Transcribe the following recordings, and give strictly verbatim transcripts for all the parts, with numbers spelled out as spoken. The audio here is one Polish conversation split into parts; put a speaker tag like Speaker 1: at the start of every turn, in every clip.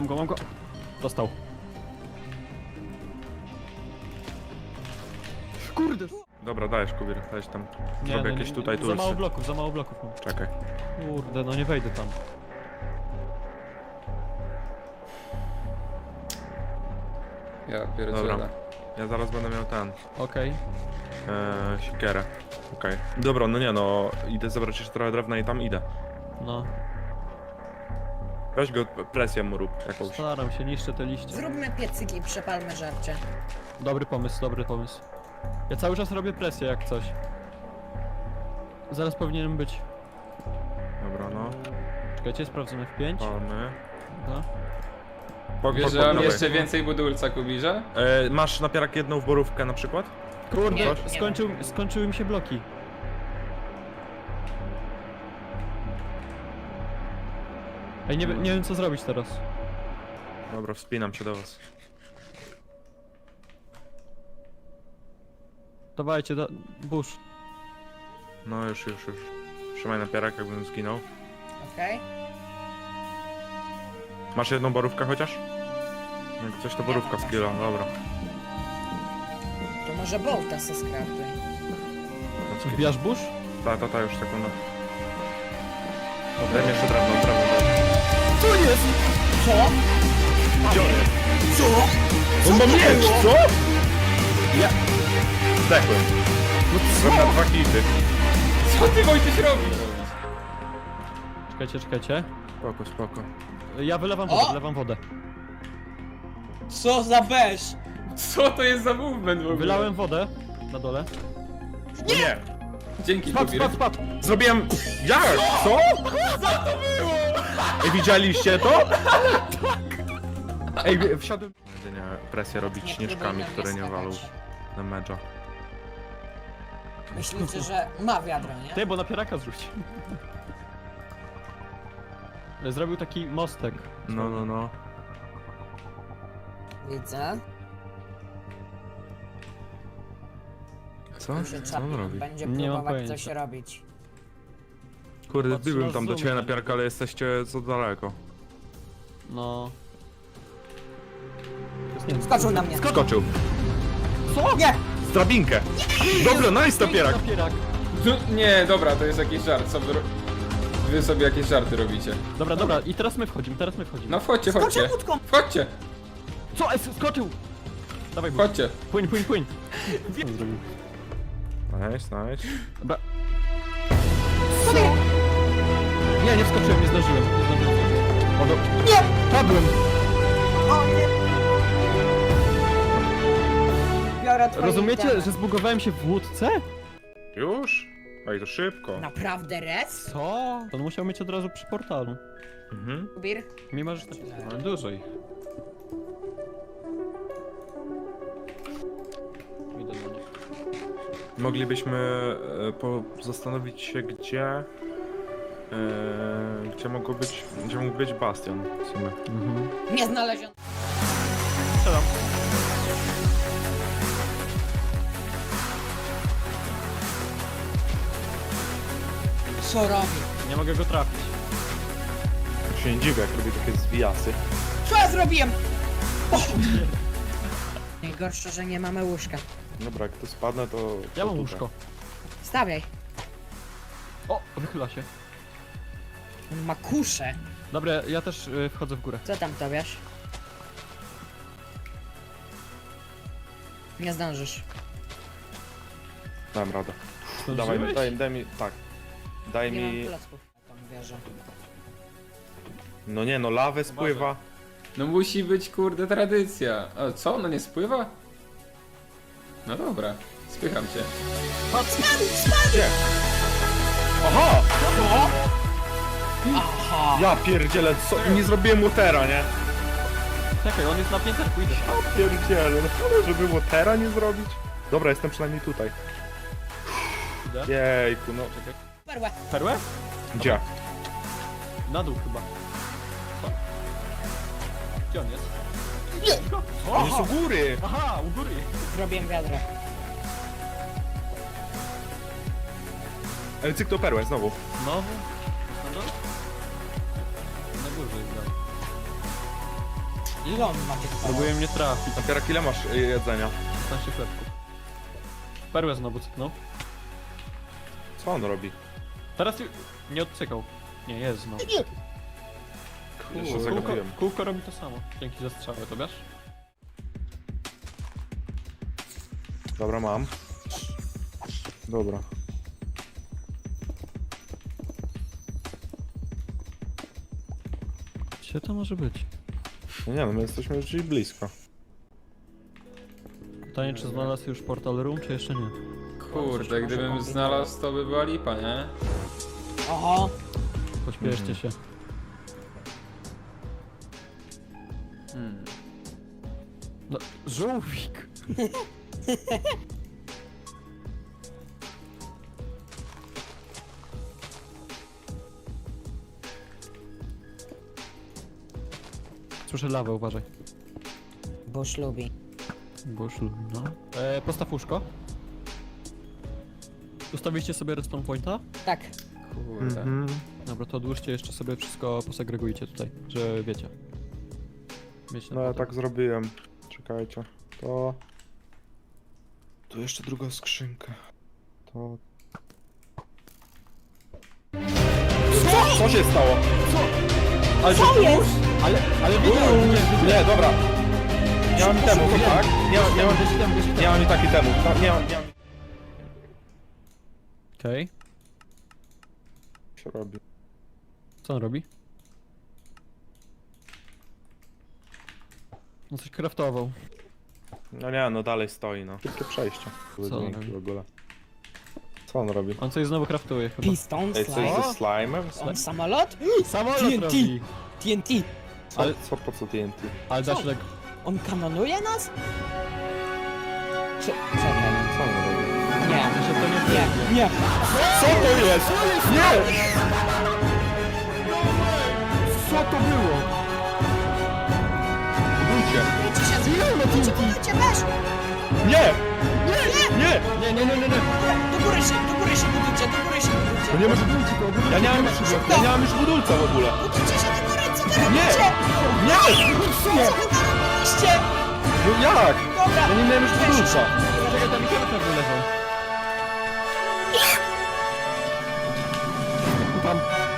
Speaker 1: Mam go, mam go. Dostał. Kurde.
Speaker 2: Dobra, dajesz Kubir, dajesz tam.
Speaker 1: Nie,
Speaker 2: Zrobię
Speaker 1: no,
Speaker 2: jakieś
Speaker 1: nie,
Speaker 2: tutaj
Speaker 1: nie, za mało
Speaker 2: tulsy.
Speaker 1: bloków, za mało bloków mam.
Speaker 2: Czekaj.
Speaker 1: Kurde, no nie wejdę tam.
Speaker 3: Ja
Speaker 2: Dobra.
Speaker 3: pierdzielę.
Speaker 2: Ja zaraz będę miał ten.
Speaker 1: Okej.
Speaker 2: Eee, siekierę. Okej. Dobra, no nie no, idę zebrać jeszcze trochę drewna i tam idę.
Speaker 1: No.
Speaker 2: Weź go, presję mu rób jakąś.
Speaker 1: Staram się, niszczę te liście.
Speaker 4: Zróbmy piecyki i przepalmy żarcie.
Speaker 1: Dobry pomysł, dobry pomysł. Ja cały czas robię presję jak coś. Zaraz powinienem być.
Speaker 2: Dobra, no.
Speaker 1: Czekajcie, sprawdzamy w pięć.
Speaker 2: Palmy.
Speaker 1: Dobra.
Speaker 2: Pok,
Speaker 3: Wiesz,
Speaker 2: pok,
Speaker 3: że
Speaker 2: pok,
Speaker 3: mam
Speaker 2: dawaj.
Speaker 3: jeszcze więcej budulca, Kubirze?
Speaker 2: Eee, masz napierak jedną borówkę na przykład?
Speaker 1: Kurde,
Speaker 4: Nie, nie
Speaker 1: skończył, skończyły mi się bloki. Ej, nie, nie wiem co zrobić teraz.
Speaker 2: Dobra, wspinam się do was.
Speaker 1: Dawajcie, da... Bush.
Speaker 2: No już, już, już. Trzymaj napierak, jakbym zginął.
Speaker 4: Okej?
Speaker 2: Masz jedną borówkę chociaż? Jak coś to borówka z kilo, dobra.
Speaker 4: To może bolta se skraftuj.
Speaker 1: Wbijasz Bush?
Speaker 2: Ta, ta, ta, już sekunda. Daj mi jeszcze drewno, drewno, drewno.
Speaker 1: Co jest?
Speaker 4: Co?
Speaker 2: Gdzie on jest?
Speaker 4: Co?
Speaker 2: On ma miecz, co?
Speaker 1: Ja...
Speaker 2: Zdechłem. Byłem na dwa hity.
Speaker 3: Co ty, Wojtyś, robisz?
Speaker 1: Czekajcie, czekajcie.
Speaker 2: Spoko, spoko.
Speaker 1: Ja wylewam wodę,
Speaker 4: O!
Speaker 1: wylewam wodę.
Speaker 4: Co za beż?
Speaker 3: Co to jest za movement w ogóle?
Speaker 1: Wylałem wodę na dole.
Speaker 2: Nie! nie.
Speaker 3: Dzięki,
Speaker 1: Spadł,
Speaker 3: Kubir.
Speaker 1: spadł, spadł!
Speaker 2: Zrobiłem... Jak? Co? Co to było? Ej, widzieliście to? Ej, wsiadłem... Jedynie presję robić
Speaker 4: Nie
Speaker 2: śnieżkami,
Speaker 4: próbuj na
Speaker 2: które
Speaker 4: mnie
Speaker 2: nie walą
Speaker 4: skakać.
Speaker 2: na medża.
Speaker 4: Myślicie, że ma wiadro, nie?
Speaker 1: Ty, bo napieraka zrzuć. Zrobił taki mostek.
Speaker 2: No, no, no.
Speaker 4: Widzę.
Speaker 2: Co?
Speaker 4: Tu się
Speaker 2: Co on
Speaker 4: czapi.
Speaker 2: robi?
Speaker 4: Będzie
Speaker 1: Nie mam
Speaker 4: próbować
Speaker 1: pojęcia.
Speaker 4: coś robić.
Speaker 2: Kurde,
Speaker 1: Patrzę
Speaker 2: byłem
Speaker 1: na
Speaker 2: tam do
Speaker 1: zoom,
Speaker 2: ciebie na
Speaker 1: nie?
Speaker 2: piarka, ale jesteście za daleko.
Speaker 1: No. To jest nie wiem,
Speaker 4: Skoczył na mnie.
Speaker 2: Skoczył.
Speaker 1: Co?
Speaker 4: Nie!
Speaker 2: Z drabinkę. Dobra, nice napierak.
Speaker 1: Napierak.
Speaker 3: Tu- Nie, dobra, to jest jakiś żart. Co wy, ro- wy sobie jakieś żarty robicie.
Speaker 1: Dobra, dobra, i teraz my wchodzimy, teraz my wchodzimy.
Speaker 3: No wchodźcie,
Speaker 4: Skoczę
Speaker 3: chodźcie.
Speaker 4: łódką!
Speaker 3: Wchodźcie,
Speaker 1: Co? Es, skoczył! Dawaj, Bush.
Speaker 3: wchodźcie.
Speaker 1: Płyń, płyń, płyń. Co zrobił?
Speaker 2: Nice, nice.
Speaker 1: Dobra. Nie, nie wskoczyłem, nie zdążyłem. Nie zdążyłem. O, do...
Speaker 4: Nie!
Speaker 1: Padłem!
Speaker 4: O nie! Biorę twoje
Speaker 1: Rozumiecie,
Speaker 4: itemy.
Speaker 1: że zbugowałem się w łódce?
Speaker 2: Już? Ej, to szybko.
Speaker 4: Naprawdę res?
Speaker 1: Co? To on musiał mieć od razu przy portalu.
Speaker 2: Mhm.
Speaker 4: Bir?
Speaker 1: Mimo, że...
Speaker 3: Ale dużo ich.
Speaker 1: Idę do nich.
Speaker 2: Moglibyśmy e, po, zastanowić się, gdzie... E, gdzie mogło być... Gdzie mógł być bastion w sumie.
Speaker 1: Mhm.
Speaker 4: Nie znaleziono.
Speaker 1: Strzelam.
Speaker 4: Co robi?
Speaker 1: Nie mogę go trafić.
Speaker 2: Ja się nie dziwię, jak robię takie zwijasy.
Speaker 4: Co ja zrobiłem? O! Najgorsze, że nie mamy łóżka.
Speaker 2: Dobra, jak tu spadnę, to...
Speaker 1: Ja
Speaker 2: to
Speaker 1: mam
Speaker 2: tutaj.
Speaker 1: łóżko.
Speaker 4: Stawiaj.
Speaker 1: O, wychyla się.
Speaker 4: On ma kuszę.
Speaker 1: Dobra, ja też y, wchodzę w górę.
Speaker 4: Co tam tobiasz? Nie zdążysz.
Speaker 2: Dałem radę. Dawaj,
Speaker 1: Zdążyłeś?
Speaker 2: daj, daj mi... Tak. Daj
Speaker 4: Nie
Speaker 2: mi...
Speaker 4: mam klocków na tą wieżę.
Speaker 2: No nie, no lawę spływa.
Speaker 3: No musi być, kurde, tradycja. A co, ona nie spływa? No dobra, spycham cię.
Speaker 2: Gdzie? Aha!
Speaker 4: Aha!
Speaker 2: Ja pierdzielę, co? Nie zrobiłem łotera, nie?
Speaker 1: Czekaj, on jest na pięterku, idę.
Speaker 2: Ja pierdzielę, no żeby łotera nie zrobić? Dobra, jestem przynajmniej tutaj.
Speaker 1: Idę.
Speaker 2: Jejku, no.
Speaker 1: Czekaj.
Speaker 4: Perłę!
Speaker 1: Perłę?
Speaker 2: Gdzie?
Speaker 1: Na dół chyba. Co? Gdzie on jest?
Speaker 4: Nie!
Speaker 2: On jest u góry!
Speaker 1: Aha, u góry.
Speaker 4: Zrobiłem wiadro.
Speaker 2: Ale cyk to perłę, znowu.
Speaker 1: Znowu? Na dół? Na górze jest dalej.
Speaker 4: Ile on ma tych kolorów?
Speaker 1: Próbuje mnie trafić.
Speaker 2: Napierak, ile masz y, jedzenia?
Speaker 1: piętnaście chlebków. Perłę znowu cyknął.
Speaker 2: Co on robi?
Speaker 1: Teraz ju- nie odcykał. Nie, jest znowu.
Speaker 2: Ja się
Speaker 1: Kółko,
Speaker 2: zagapiłem.
Speaker 1: kółko robi to samo. Dzięki za strzałę, to wiesz?
Speaker 2: Dobra, mam. Dobra.
Speaker 1: Gdzie to może być?
Speaker 2: No nie no, my jesteśmy już gdzieś blisko.
Speaker 1: Pytanie, czy znalazł już portal room, czy jeszcze nie?
Speaker 3: Kurde, gdybym znalazł, to by była lipa, nie?
Speaker 4: Oho!
Speaker 1: Pośpieszcie się.
Speaker 3: Hmm.
Speaker 1: No, żółwik! Słyszę lawę, uważaj.
Speaker 4: Bush lubi.
Speaker 1: Boż lubi, no. E, postaw łóżko. Ustawiliście sobie respawn pointa?
Speaker 4: Tak.
Speaker 3: Kurde.
Speaker 1: Dobra, to odłóżcie jeszcze sobie wszystko, posegregujcie tutaj, że wiecie. Wiecie
Speaker 2: No ja tak zrobiłem. Czekajcie. To... Tu jeszcze druga skrzynka. To... Co? Co się stało?
Speaker 1: Ale
Speaker 4: Co jest?
Speaker 1: Ale, ale wiedziałem, nie,
Speaker 2: Nie, dobra. Nie mam temu, to tak? Nie, mam- nie, mam,
Speaker 1: wiedziałem,
Speaker 2: nie mam i taki temu. Tak, nie mam, nie mam.
Speaker 1: Okej,
Speaker 2: Co się robi?
Speaker 1: co on robi? No coś craftował.
Speaker 2: No nie, no dalej stoi, no. Szybkie przejście.
Speaker 1: Co on
Speaker 2: Dźwięki
Speaker 1: robi?
Speaker 2: w ogóle. Co on robi?
Speaker 1: On coś znowu craftuje chyba.
Speaker 4: Piston,
Speaker 2: Ej, coś
Speaker 4: slime.
Speaker 2: ze slime'em?
Speaker 4: On samolot?
Speaker 1: Samolot
Speaker 4: T N T.
Speaker 1: robi!
Speaker 4: T N T.
Speaker 2: Co,
Speaker 1: Ale-
Speaker 2: co, po co T N T?
Speaker 1: Ale da
Speaker 4: Co?
Speaker 1: się tak...
Speaker 4: On kanonuje nas? Czy... Czekaj.
Speaker 2: Co on robi?
Speaker 4: Nie.
Speaker 1: Że to nie
Speaker 4: Nie. Nie.
Speaker 2: Co to jest? Nie!
Speaker 1: Co to było?
Speaker 2: Budujcie!
Speaker 4: Budujcie, budujcie, weź!
Speaker 2: Nie! Nie!
Speaker 1: Nie, nie, nie, nie, nie!
Speaker 4: Do góry się, do góry się budujcie, do góry się budujcie.
Speaker 2: To nie może być. Ja nie mam już, ja nie mam już budulca w ogóle.
Speaker 4: Budujcie się do góry, co wy
Speaker 2: Nie!
Speaker 4: robicie?
Speaker 2: Nie!
Speaker 4: Co wy narobiliście?
Speaker 2: No jak?
Speaker 4: Dobra.
Speaker 2: Ja nie miałem już budulca.
Speaker 1: Czekaj, tam mikrofon wylewał. Tam...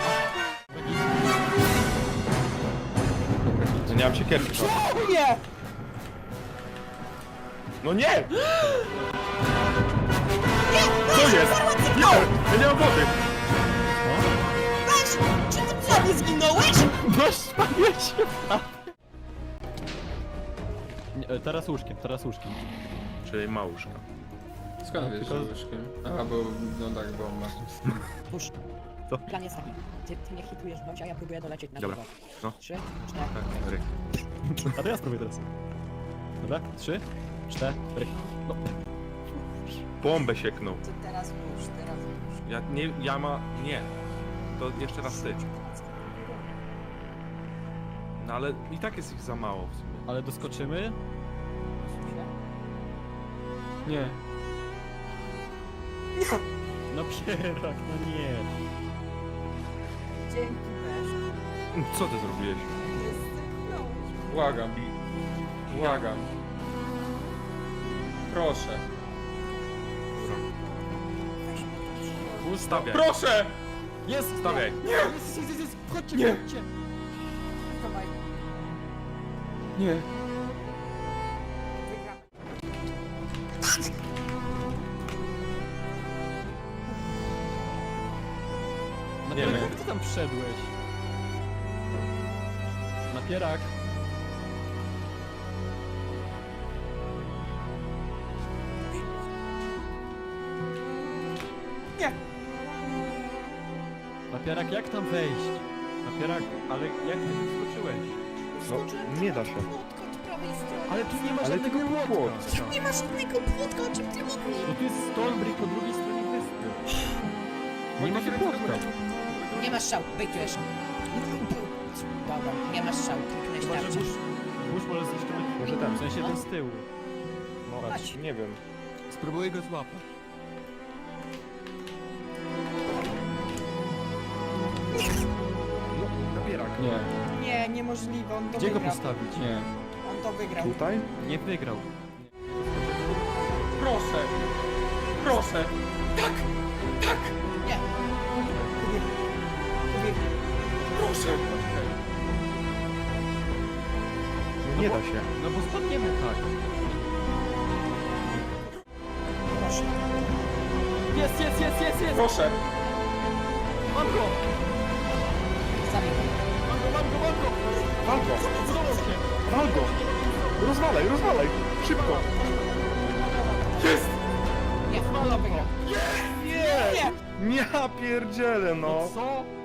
Speaker 2: Ja nie mam siekierki.
Speaker 4: Nie!
Speaker 2: No nie! Co jest? Nie! Ja nie mam wody!
Speaker 4: Weź! Czy ty co, nie zginąłeś?
Speaker 1: Weź, pamięć! Teraz łóżkiem, teraz łóżkiem.
Speaker 2: Czyli małuszka.
Speaker 3: Skąd wiesz,
Speaker 1: tylko-
Speaker 3: że łyżkiem? Aha, bo... no tak, bomba.
Speaker 4: Pusz.
Speaker 1: Co?
Speaker 4: Plan jest taki. Ty, ty mnie hitujesz bądź, a ja próbuję dolecieć na
Speaker 2: Dobra.
Speaker 4: drzewo.
Speaker 2: No.
Speaker 4: Trzy, cztery.
Speaker 2: Cztery.
Speaker 1: A to ja spróbuję teraz. Dobra, trzy, cztery. No.
Speaker 2: Bombę sieknął.
Speaker 4: To teraz pusz, teraz pusz.
Speaker 2: Ja nie, ja ma... nie. To jeszcze raz ty. No ale i tak jest ich za mało w sumie.
Speaker 1: Ale doskoczymy? Nie. No pierak, no nie.
Speaker 4: Dzięki, weź.
Speaker 2: Co ty zrobiłeś?
Speaker 3: Błagam. Błagam. Proszę.
Speaker 2: Stawiaj.
Speaker 3: Proszę!
Speaker 1: Jest!
Speaker 2: Stawiaj.
Speaker 1: Nie! Jest, jest, jest, jest. Chodźcie,
Speaker 3: Nie.
Speaker 1: chodźcie!
Speaker 4: Dawaj.
Speaker 3: Nie.
Speaker 1: Napierak,
Speaker 2: wiem.
Speaker 1: jak ty tam wszedłeś? Napierak.
Speaker 4: Nie.
Speaker 1: Napierak, jak tam wejść? Napierak, ale jak ty wyskoczyłeś?
Speaker 2: No, nie da się.
Speaker 4: Płotka od prawej strony.
Speaker 1: Ale tu nie ma
Speaker 2: Ale
Speaker 1: żadnego
Speaker 2: tu nie ma
Speaker 1: płotka.
Speaker 2: płotka.
Speaker 4: Nie ma żadnego płotka, o czym ty mówisz?
Speaker 1: No tu jest Stonebridge po drugiej stronie wyspy. Nie ma płotka.
Speaker 4: Nie masz szału, bejtujesz. Dobra, nie masz szału, kliknąć
Speaker 1: Chyba, że
Speaker 4: tarczę.
Speaker 1: burz, burz może zniszczyć.
Speaker 2: Może ten.
Speaker 1: W sensie ten z tyłu.
Speaker 2: No,
Speaker 1: Patrz.
Speaker 2: nie wiem.
Speaker 1: Spróbuję go złapać.
Speaker 2: No, napierak.
Speaker 3: Nie.
Speaker 4: Nie. Nie, niemożliwe, on to
Speaker 1: Gdzie go
Speaker 4: wygrał.
Speaker 1: postawić?
Speaker 3: Nie.
Speaker 4: On to wygrał.
Speaker 2: Tutaj?
Speaker 1: Nie wygrał.
Speaker 3: Proszę! Proszę! Tak! Tak!
Speaker 4: Nie. Ubieg. Ubieg.
Speaker 3: Proszę!
Speaker 2: No nie da się.
Speaker 1: No bo spadniemy tak.
Speaker 4: Proszę.
Speaker 1: Jest, jest, jest, jest, jest!
Speaker 3: Proszę!
Speaker 1: Mam go!
Speaker 4: Zabij go.
Speaker 1: Mam go, mam go, mam go!
Speaker 2: Wal go!
Speaker 1: Udało się!
Speaker 2: Wal go! Rozwalaj, rozwalaj! Szybko!
Speaker 3: Jest!
Speaker 4: Nie, on to wygrał.
Speaker 2: Nie!
Speaker 4: Nie!
Speaker 2: Nie, pierdzielę,
Speaker 1: No
Speaker 2: no!
Speaker 1: co?